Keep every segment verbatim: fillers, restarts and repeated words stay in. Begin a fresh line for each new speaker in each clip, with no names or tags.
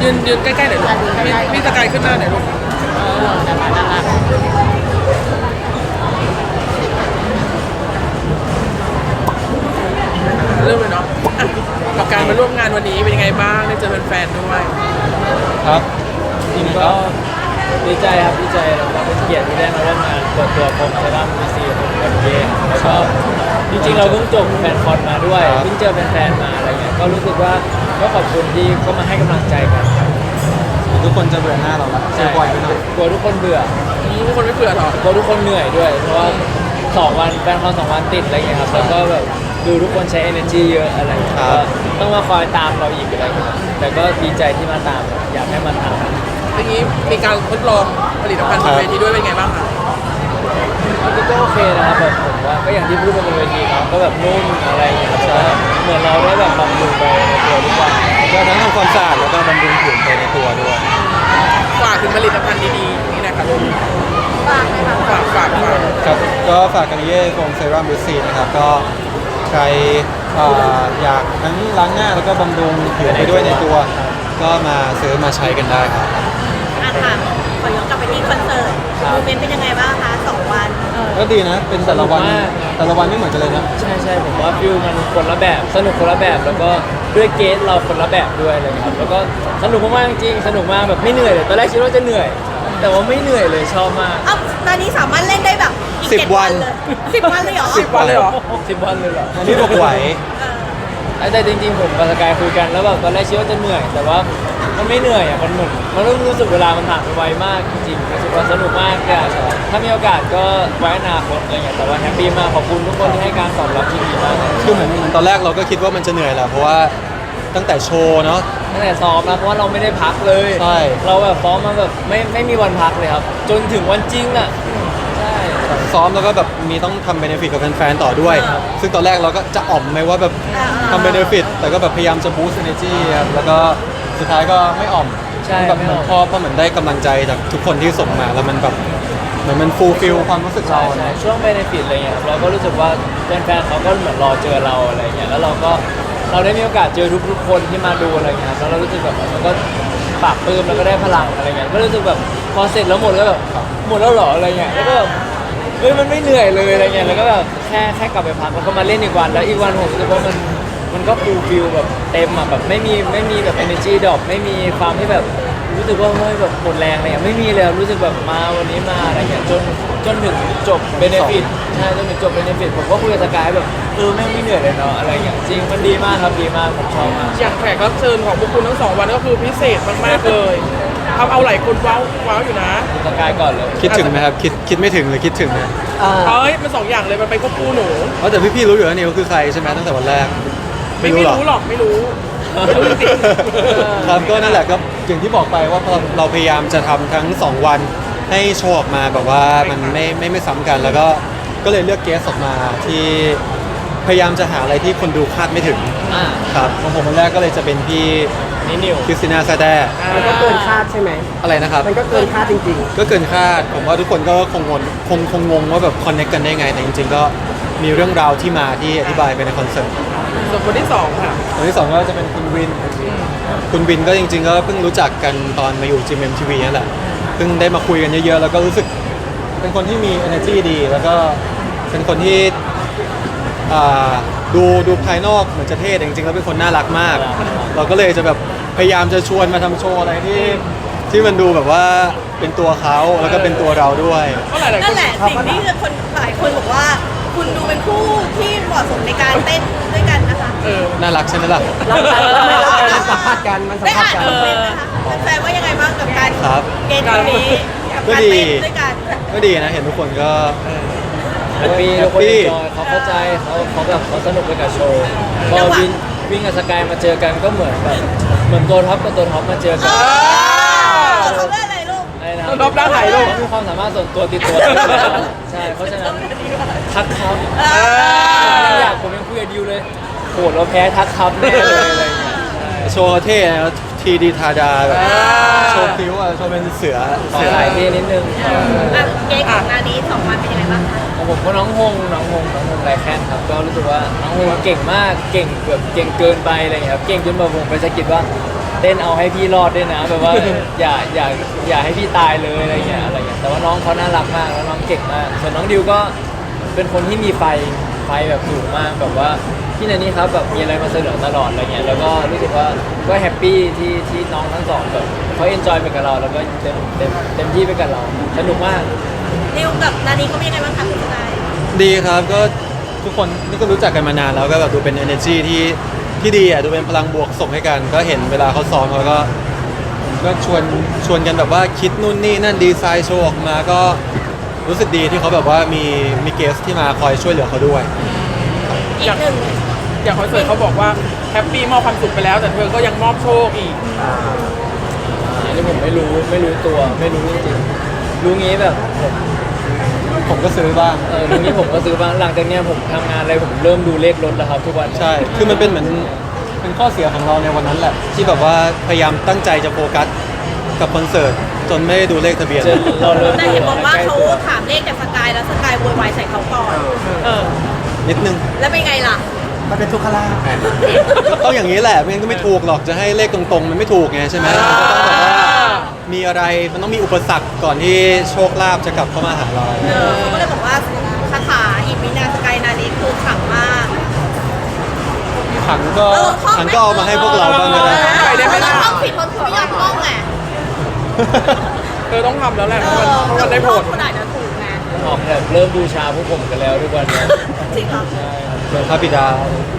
ยืนยืนใกล้ๆหน่อยลูกพี่พี่สกายขึ้นหน้าหน่อยลูก
เออนั่นแหละนั่นแหละ
เริ่มเลยเนาะอ่ะกับการมาร่วมงานวันนี้เป็นยังไงบ้างได้เจอแฟนๆด้วย
ครับจริงก็
ดีใจครับดีใจแล้วก็เป็นเกียรติที่ได้มาร่วมงานเปิดตัวโปรโมชั่นมาซีของเอ็มเแล้วก็จริงๆเราเพิ่งจบแฟนคอนมาด้วยเพิ่งเจอแฟนๆมาอะไรเงี้ยก็รู้สึกว่าก็ขอบคุณที่ก็มาให้กำลังใจกันครับ
ทุกคนจะเบื่อหน้าเราละเจอบ่อยไปหน่อย
กลัวทุกคนเบื่อ
ทุกคนไม่เผื่อหรอก
กลัวทุกคนเหนื่อยด้วยเพราะว่าสองวันแฟนคอนสองวันติดอะไรเงี้ยครับแล้วก็แบบดูทุกคนใช้ energy เยอะอะไรเงี้ยก็ต้องมาคอยตามเราอีกอะไรเงี้ยแต่ก็ดีใจที่มาตามอยากให้มาตาม
ทีนี้มีการทดลองผลิตภัณฑ์บนเวทีด้วยเป็นไงบ้างคะ
มันก็โอเคนะครับแบบผมว่าก็อย่างที่พูดไปบนเวทีเนาะก็แบบนุ่มอะไรอย่างเงี้ยใช่เหมือนเราได้แบบบำรุงไปในตัวทุกวัน
ก็ทั้งทำความสะอาดแล้วก็บำรุงผิวไปในตัวด้วย
ฝากถึงผลิตภัณฑ์ดีๆนี่นะครับ
ฝากเลยค่ะ
ฝากฝากฝาก
ครับก็ฝากกันเย่โฟมเซรั่มบิวซีนะครับก็ใครเอ่ออยากทั้งล้างหน้าแล้วก็บำรุงผิวไปด้วยในตัว ก็มาซื้อมาใช้กันได้ครับ
อ่ะค่ะขอย้อนกลับไปที่คอนเสิร์ตโมเมนต์เป็นยังไงบ้างคะสองวัน
ก็ดีนะเป็นแต่ละวันแต่ละวันไม่เหมือนกันเลยนะ
ใช่ใช่ผมว่าฟิลมันคนละแบบสนุกคนละแบบแล้วก็ด้วยเกสเราคนละแบบด้วยอะไรเลยครับแล้วก็สนุกมากๆจริงๆสนุกมากแบบไม่เหนื่อยเลยตอนแรกคิดว่าจะเหนื่อย แต่ว่าไม่เหนื่อยเลยชอบมาก
เอ้าตอนนี้สามารถเล่นได้แบบอีก
สิบ
เจ็ด
วั
วัน นเลยสิบวันเลยเหรอ
สิบวันเลยเหรอ
สิบวันเลยเหรอ
อันนี้บอกไหว
เออ
แต่จริงๆผมกับสกายคุยกันแล้วแบบตอนแรกคิดว่าจะเหนื่อย แต่ว่ามันไม่เหนื่อยอ่ะมันเหมือนมันรู้รู้สึกเวลามันผ่านไปไวมากจริงๆรู้สึกว่าสนุกมากก็ถ้ามีโอกาสก็ไว้อนาคตอะไรอย่างเงี้ยแต่ว่าแฮปปี้มากขอบคุณทุกคนที่ให้การตอบรับที่ดีมากเลย
คือเหมือนตอนแรกเราก็คิดว่ามันจะเหนื่อยแหละเพราะว่าตั้งแต่โชว์เนาะ
ตั้งแต่ซ้อมนะเพราะว่าเราไม่ได้พักเลย
ใช่
เราแบบซ้อมมาแบบไม่ไม่มีวันพักเลยครับ จนถึงวันจริงอ่ะใช่
ซ้อมแล้วก็แบบมีต้องทำเบเนฟิตกับแฟนๆต่อด้วย ซึ่งตอนแรกเราก็จะอ่อมไหมว่าแบบทำเบเนฟิตแต่ก็แบบพยายามจะบูสต์ energy ครับแล้วก็สุดท้ายก็ไม่อ่อม
ใช่
แบบ
ไม่
เหมื
อ
อน
อก
พอพอเหมือนได้กำลังใจจากทุกคนที่ส่งมาแล้วมันแบบเหมือนมันฟูลฟิลความรู้สึก
ใช่
เรา
ใช่
นะ
ช่วงเบนฟิตอะไรเงี้ยครับเราก็รู้สึกว่าแฟนๆเขาก็เหมือนรอเจอเราอะไรเงี้ยแล้วเราก็เราได้มีโอกาสเจอทุกๆคนที่มาดูอะไรเงี้ยครับแล้วเรารู้สึกแบบมันก็ปากปลื้มแล้วก็ได้พลังอะไรเงี้ยก็รู้สึกแบบพอเสร็จแล้วหมดก็แบบหมดแล้วเหรออะไรเงี้ยแล้วก็แบบเฮ้ยมันไม่เหนื่อยเลยอะไรเงี้ยแล้วก็แบบแค่แค่กลับไปพักแล้วก็มาเล่นอีกวันแล้วอีกวันผมรู้สึกว่ามันมันก็ฟูลฟิลแบบเต็มอ่ะแบบไม่มีไม่มีแบบ energy ดรอปไม่มีความที่แบบรู้สึกว่าเฮ้ยแบบหมดแรงอะไรเงี้ยไม่มีเลยรู้สึกแบบมาวันนี้มาอะไรเงี้ยจนจนถึงจบเบเนฟิตใช่จนถึงจบเบเนฟิตผมก็คุยกับสกายแบบเออแม่งไม่เหนื่อยเลยเนาะอะไรอย่างจริงมันดีมากครับดีมากผมชอบมาก
อย่างแขกรับเชิญของพวกคุณทั้งสองวันก็คือพิเศษมากๆเลยทำเอาหลายคนว้าวว้าวอยู่นะ
สกายก่อนเลย
คิดถึงไหมครับคิดคิดไม่ถึงหรือคิดถึงนะ
เฮ้ยมันสองอย่างเลยมันไปควบคู่หนู
เพราะแต่พี่ๆรู้อยู่แล้วนี่เขาคือใครใช่ไหมตั้งแต่วันแรก
ไม่
ไม่
ไม่
รู้หรอ
รู้หรอกไม่รู้ไม่รู้จริง
ครับก็นั่นแหละก็อย่างที่บอกไปว่าเราเราพยายามจะทำทั้งสองวันให้โชว์ออกมาแบบว่ามันไม่ไม่ไม่ซ้ำกัน แล้วก็ก็เลยเลือกเกสออกมาที่พยายามจะหาอะไรที่คนดูคาดไม่ถึง
อ่า
ครับของผมวันแรกก็เลยจะเป็นพี่
นี่นิว
คริสติน่าซาแด
ๆ
มันก็เกินคาดใช่ไหม
อะไรนะครับ
มันก็เกินคาดจริง
ก็เกินคาดผมว่าทุกคนก็คงงงคงคงงงว่าแบบคอนเนคกันได้ไง แต่จริงๆก็มีเรื่องราวที่มาที่อธิบายไปในคอนเสิร์ต
ส่วนคนที่สองค่ะ
คนที่สองก็จะเป็นคุณวิน คุณวินก็จริงๆก็เพิ่งรู้จักกันตอนมาอยู่ จี เอ็ม ที วี นั่นแหละเพิ่งได้มาคุยกันเยอะๆ แล้วก็รู้สึกเป็นคนที่มี energy ดี แล้วก็เป็นคนที่อ่าดูดูภายนอกเหมือนจะเท่แต่จริงๆแล้วเป็นคนน่ารักมาก เราก็เลยจะแบบพยายามจะชวนมาทำโชว์อะไรที่ที่มันดูแบบว่าเป็นตัวเขาแล้วก็เป็นตัวเราด้วย
ก็หลายๆค
นั่
น
นแหละสิ่งที่คนหลายคนบอกว่า คุณดูเป็นคู่ที่เหมาะสมในการเต้นด้วยกันนะคะ
เออ
น่ารักใช่ไหมล่ะ
ๆแล้วมันมันสัมผัสกัน มันสัม
ได้
ผัส
อ่าน
กัน
คอมเมนต์นะคะแฟนๆว่ายังไงบ้างกับการ
ครับ
เกณฑ์คนนี้กับ
ก็
การ
ดี
เต้นด้วยกัน
ก็ดีนะเห็นทุกคนก็
แฮปปี้ทุกคนเอนจอยเขาเข้าใจเขาเขาแบบเขาสนุกไปกับโชว์พอวินวิ่งกับสกายมาเจอกันก็เหมือนแบบเหมือนตัวท็อปกับตัวท็อปมาเจอกัน
เขาเล่นอะไรลูก
อะไรนะ
ตัวท็อปด้านไหนลูก
เขามีความสามารถส่วนตัวติดตัวใช่เพราะฉะนั้นทักครับ
เออ
อยากผมยังคุยกับดิวเลยโหเราแพ้ทักครับแน่เลยอะไรเงี้ยใช่
โชว์เท่นะทีดีทาดาแบบโชว์คิ้วอะโชว์เป็นเสือ
ขอ
เสือ
สายเท่นิดนึง
อ่ะเกณฑ์ของงานนี้สองวันเป็นยังไงบ้างคะ
ของผมก็น้องฮงน้องฮงน้องฮงไรแคนครับก็รู้สึกว่าน้องฮงเก่งมากเก่งแบบเก่งเกินไปอะไรเงี้ยครับเก่งจนแบบผมไปสะกิดว่าเต้นเอาให้พี่รอดด้วยนะแบบว่าอย่าอย่าอย่าให้พี่ตายเลยอะไรเงี้ยอะไรเงี้ยแต่ว่าน้องเขาน่ารักมากแล้วน้องเก่งมากส่วนน้องดิวก็เป็นคนที่มีไฟไฟแบบสูงมากแบบว่าพี่นันนี่ครับแบบมีอะไรมาเสนอตลอดอะไรเงี้ยแล้วก็รู้สึกว่าก็แฮปปี้ที่ที่น้องทั้งสองแบบเขาเอนจอยไปกับเราแล้วก็เต็มเต็มเต็มที่ไปกับเราสนุกมาก
ดิวกับนานีเขาเป็นยังไงบ้างคะคุณทนาย
ดีครับก็ทุกคนนี่ก็รู้จักกันมานานแล้วก็แบบดูเป็น energy ที่ที่ดีอ่ะดูเป็นพลังบวกส่งให้กัน ก็เห็นเวลาเขาซ้อมเขาก็ก็ชวนชวนกันแบบว่าคิดนู่นนี่นั่นดีไซน์โชว์ออกมาก็รู้สึกดีที่เขาแบบว่ามีมีเกสที่มาคอยช่วยเหลือเขาด้วย
อีกหนึ่ง
อย่างคอนเสิร์ตเขาบอกว่าแฮปปี้มอบความสุขไปแล้ว แต่เธอก็ยังมอบโชคอีก
อันนี้ผมไม่รู้ไม่รู้ตัวไม่รู้จริงๆรู้งี้แบบผม
ผมก็ซื้อบ้าง
เออรู้งี้ผมก็ซื้อบ้างหลังจากเนี้ยผมทำงานอะไรผมเริ่มดูเลขรถแล้วครับทุกวัน
ใช่ คือมันเป็นเหมือนเป็นข้อเสียของเราในวันนั้นแหละ ที่แบบว่าพยายามตั้งใจจะโฟกัสกับคอนเสิร์ตจนไม่ได้ดูเลขทะเบียน
จนเราเริ่ม
แต่
ดู
เห็นบอกว่า
ใกล้
เขา
ตัว
ถามเลขจากสกายแล้วสกายโวยวายใส่เขาก่อน
เออ
นิดนึง
แล้วเป็นไงล่ะ
มันเป็นทุกขลาภ
ต้องอย่างนี้แหละไม่งั้นก็ไม่ถูกหรอกจะให้เลขตรงๆ มันไม่ถูกไงใช่ไหมมันก็ต้องแบบว่ามีอะไรมันต้องมีอุปสรรคก่อนที่โชคลาภจะกลับเข้ามาหาเรา
เออเขาก็เลยบอกว่าคาถาอิมินาสกายนานีคือขลังมาก
ขังก็
เออท่อง
ขังก็เอามาให้พวกเราบ้างก็ได้
เออ ได้ไหมล่ะ
เราท่องผิดเพราะคุณไม่ยอมท่องไง
เธอต้องทำแล้วแหละ
เอ
เพราะ
อ
มันเพราะมันได้ผล
คุณอาจจะถูกไง
ออกแบบเริ่มบูชาพวกผมกันแล้วทุกวันเนี้ย
จริงเหรอ
ใช่ครับ
เดินพระบิดา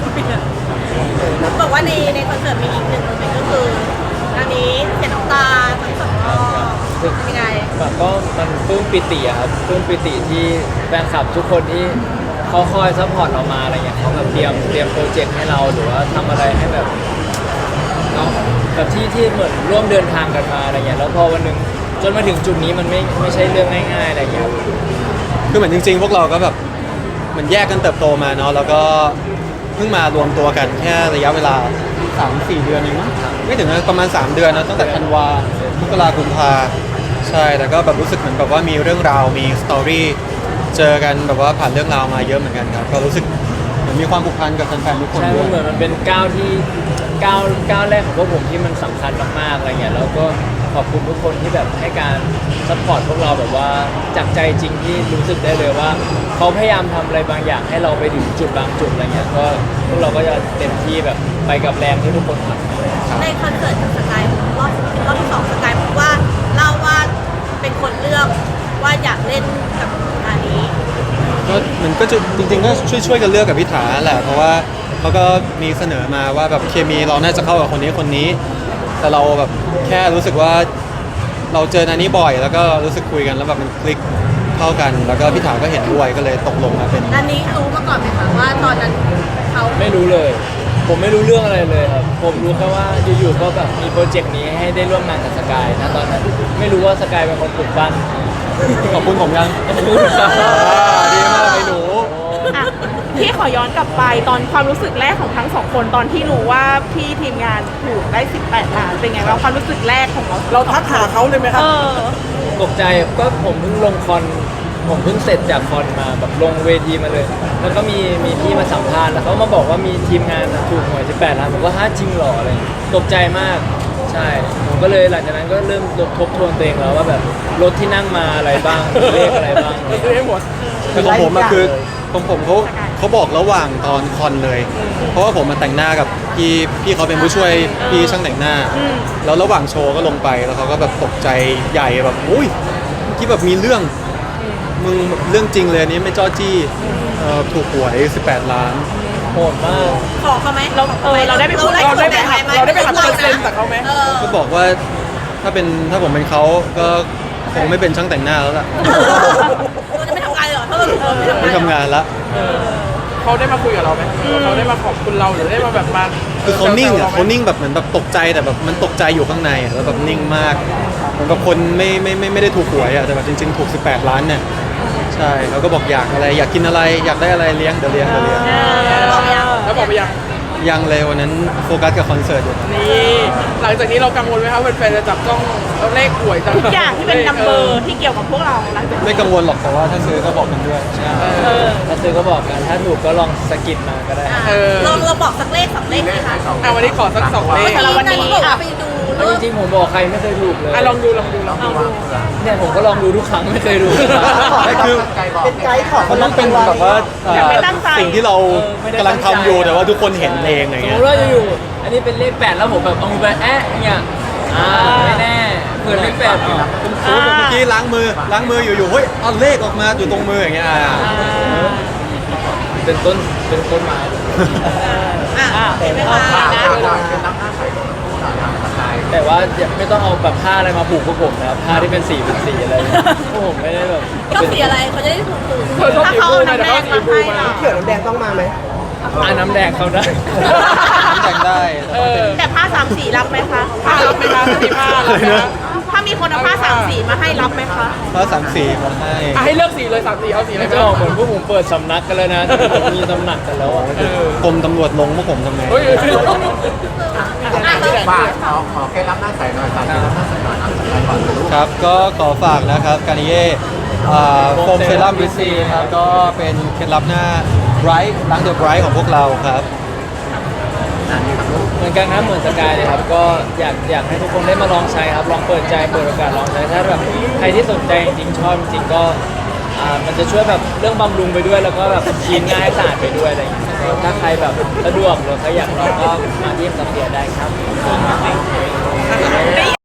บอกว่าในในคอนเสิร์ตมีอีกหนึ่งโมเมนต์ก็คืออันนี้เสียน้ำตาทั้งสองรอบเป็นยังไง
แบบก็มันปลื้มปิติอะครับปลื้มปิติที่แฟนคลับทุกคนที่เขาคอยซัพพอร์ตเรามาอะไรเงี้ยเขาแบบเตรียมเตรียมโปรเจกต์ให้เราหรือว่าทำอะไรให้แบบเนาะแบบที่ที่เหมือนร่วมเดินทางกันมาอะไรเงี้ยแล้วพอวันหนึ่งจนมาถึงจุดนี้มันไม่ไม่ใช่เรื่องง่ายๆอะไรเงี้ยครับ
คือเหมือนจริงๆ พวกเราก็แบบเหมือนแยกกันเติบโตมาเนาะแล้วก็เพิ่งมารวมตัวกันแค่ระยะเวลา สามสี่ เดือนเองมั้งไม่ถึงนะประมาณ สาม เดือนนะตั้งแต่ธันวามกราคมกุมภาใช่แต่ก็แบบรู้สึกเหมือนแบบว่ามีเรื่องราวมีสตอรี่เจอกันแบบว่าผ่านเรื่องราวมาเยอะเหมือนกันครับก็รู้สึกเหมือนมีความผูกพันกับแฟนๆทุกคน
ใช่
ด้
มั
วน ย
เหมือนมันเป็นก้าวที่ก้าวก้าวแรกของพวกผมที่มันสำคัญมากๆอะไรเงี้ยแล้วก็ขอบคุณทุกคนที่แบบให้การซัพพอร์ตพวกเราแบบว่าจากใจจริงที่รู้สึกได้เลยว่าเขาพยายามทำอะไรบางอย่างให้เราไปถึงจุดบางจุดอะไรเงี้ยก็พวกเราก็จะเต็มที่แบบไปกับแรงที่ทุกคนทำ
ในคอนเสิร์ตกับสกายรอบรอบที่สองสกายบอกว่าเล่าว่าเป็นคนเลือกว่าอยากเล่นกับอันนี้
ก็มันก็จะจริงๆก็ช่วยช่วยๆกันเลือกกับพิธาแหละเพราะว่าเขาก็มีเสนอมาว่าแบบเคมีเราน่าจะเข้ากับคนนี้คนนี้ แต่เราแบบแค่รู้สึกว่าเราเจอนานี้บ่อย แล้วก็รู้สึกคุยกันแล้วแบบมันคลิกเข้ากัน แล้วก็พิธาก็เห็นด้วยก็เลยตกลงมาเป็น
อันนี้รู้มาก่อนไหมคะว่าตอนนั้นเขา
ไม่รู้เลย ผมไม่รู้เรื่องอะไรเลยครับ ผมรู้แค่ว่าอยู่ๆก็แบบมีโปรเจกต์นี้ให้ได้ร่วมงานกับสกายนะตอนนั้นไม่รู้ว่าสกายเป็นคนปลุกปั้น
ขอบคุณผมยัง
ขอบคุณครับ
อ่าดีมากไอ้หนู
อ่ะพี่ขอย้อนกลับไปตอนความรู้สึกแรกของทั้งสองคนตอนที่รู้ว่าพี่ทีมงานถูกได้สิบแปดล้านเป็นไงบ้างความรู้สึกแรกของเรา
เราทักหาเขาเลยไหมค
เอ
รับ
อ
ตกใจก็ผมเพิ่งลงคอนผมเพิ่งเสร็จจากคอนมาแบบลงเวทีมาเลย แล้วก็มีมีพี่มาสัมภาษณ์แล้วเขามาบอกว่ามีทีมงานถูกหวยสิบแปดล้านผมก็ฮะจริงเหรออะไรอย่างเงี้ยตกใจมากใช่ผมก็เลยหลังจากนั้นก็เริ่มทบทวนตัวเองแล้วว่าแบบรถที่นั่งมาอะไรบ้างเลขอะไรบ้าง
เราซื้อให้หมด
คือของผมอะคือของผมเขาเขาบอกระหว่างตอนคอนเลย เพราะว่าผมมาแต่งหน้ากับพี่พี่เขาเป็นผู้ช่วยพี่ช่างแต่งหน้า แล้วระหว่างโชว์ก็ลงไปแล้วเขาก็แบบตกใจใหญ่แบบอุ้ยที่แบบมีเรื่องมึงเรื่องจริงเลยอันนี้ไม่จ้อจี้เอ่อถูกหวยสิบแปดล้าน
โหดมาก
ขอเขาไหม
เราเออเราได้ไปพูด
เราได้ไปหักเราได้ไปหักเปอร์เซ็นต์จากเขาไหม
เออ
ก็บอกว่าถ้าเป็นถ้าผมเป็นเขาก็คงไม่เป็นช่างแต่งหน้าแล้วล่ะ
เราจะไม่ทำงานเลยเหรอถ้าเราถูกเราไม่
ไม่
ทำงาน
ทำงานละ
เขาได้มาคุยกับเราไหมเขาได้มาขอบคุณเราหรือได้มาแบบมา
คือเขานิ่ง
แซวๆ
อ่ะ
รไหม
เขานิ่งแบบเหมือนแบบตกใจแต่แบบมันตกใจอยู่ข้างในอะแล้วแบบนิ่งมากเหมือนกับคนไม่ไม่ไม่ไม่ได้ถูกหวยอ่ะแต่แบบจริง ๆ ถูกสิบแปดล้านเนี่ยใช่เขาก็บอกอยากอะไรอยากกินอะไรอยากได้อะไรเลี้ยงเดี๋ยวเลี้ยงเดี๋ยวเลี้ยง
บอกยัง
แล้วบอกไปยัง
ยังเลยวันนั้นโฟกัสกับคอนเสิร์ตอยู่
นี่หลังจากนี้เรากังวลไหมครับแฟนๆจะจับจ้องเลขหวยจัง
ทุกอย่างที่เป็นนัมเบอร์ที่เกี่ยวกับพวกเราหลังจาก
ไม่กังวลหรอกแต่ว่าถ้าซื้อก็บอกกันด้วย
เออ
ถ้าซื้อก็บอกกันถ้าถูกก็ลองสกิดมาก็ได้
อ่ะเราเราบอกสักเลขสองเลขสิคะ
อ่ะวันนี้ขอสักสองเลข
สำหรับวันนี้
บอกว่าไปดู
เอาจริงๆผมบอกใครไม่เคยถูกเลย
อ่ะลองดูลองดูลองดู
เนี่ยผมก็ลองดูทุกครั้งไม่เคยถูก
ไม่คือ
เป็นไกด์ของ
มันต้องเป็นแบบว่าเอ่อ
ไม่ตั้งใจ
สิ่งที่เรากำลังทำอยู่แต่ว่าทุกคนเห็นเองอะไร
สม
เงี้
ม
ย
ติว่าอยู่ๆอันนี้เป็นเลขแปดแล้วผมแบบเอามือไปแอะอย่างเงี้ยอ่าไม่แน่เผื่อเลขแปดอยู่
สมมติว่าเมื่อกี้ล้างมือล้างมืออยู่ๆเฮ้ยเอาเลขออกมาอยู่ตรงมืออย่างเงี้ยอ่า
เป็นต้นเป็นต้นไม้
อ่ะเห็นไหมคะ
แต่ว่าอย่าไม่ต้องเอาแบบผ้าอะไรมาผูกพวกผมนะครับผ้าที่เป็นสีเป็นสีอะไรพวกผมไม่ได้แบบ
ก็สีอะไรเขาจะได้ถูกถูก
เธอชอบสีบูไหมแต่เขาสีบูมา
เขียวน้ำแดงต้องมาไหม
อ่าน้ำแดงเขาได้
แต่งได้
เออ
แต่ผ้าสามสีรับไหมคะ
ผ้ารับไหมคะมีผ้ารับไหมคะ
ถ้ามีคนเอาผ้าสามสีมาให้รับไหมคะ
เพราะสามสีมาให้
อ่ะให้เลือกสีเลยสามสีเอาสีอะไร
ไม่จะออกเหมือนพวกผมเปิดสำนักกันเลยนะผมมีตำหนักกันแล้วอ่ะ
เออก
รมตำรวจลงพวกผมทำไง
เฮ้ย
อ่ะ
ฝากขอขอเคล็ดลับหน้าใสหน่อยฝากเคล็ดลับหน้าใสหน่อยครับไปก่อนลูก
ครับก็ขอฝากนะครับการนิเย่โฟมเซรั่มวิซีครับก็เป็นเคล็ดลับหน้าไบรท์ล้างเดอะไบรท์ของพวกเราครับ
เหมือนกันครับเหมือนสกายเลยครับก็อยากอยากให้ทุกคนได้มาลองใช้ครับลองเปิดใจเปิดโอกาสลองใช้ถ้าแบบใครที่สนใจจริงๆชอบจริงๆก็อ่ามันจะช่วยแบบเรื่องบำรุงไปด้วยแล้วก็แบบคลีนง่ายสะอาดไปด้วยอะไรอย่างเงี้ยถ้าใครแบบสะดวกหรือใครอยากลองก็มาที่สัมเดียได้ครับ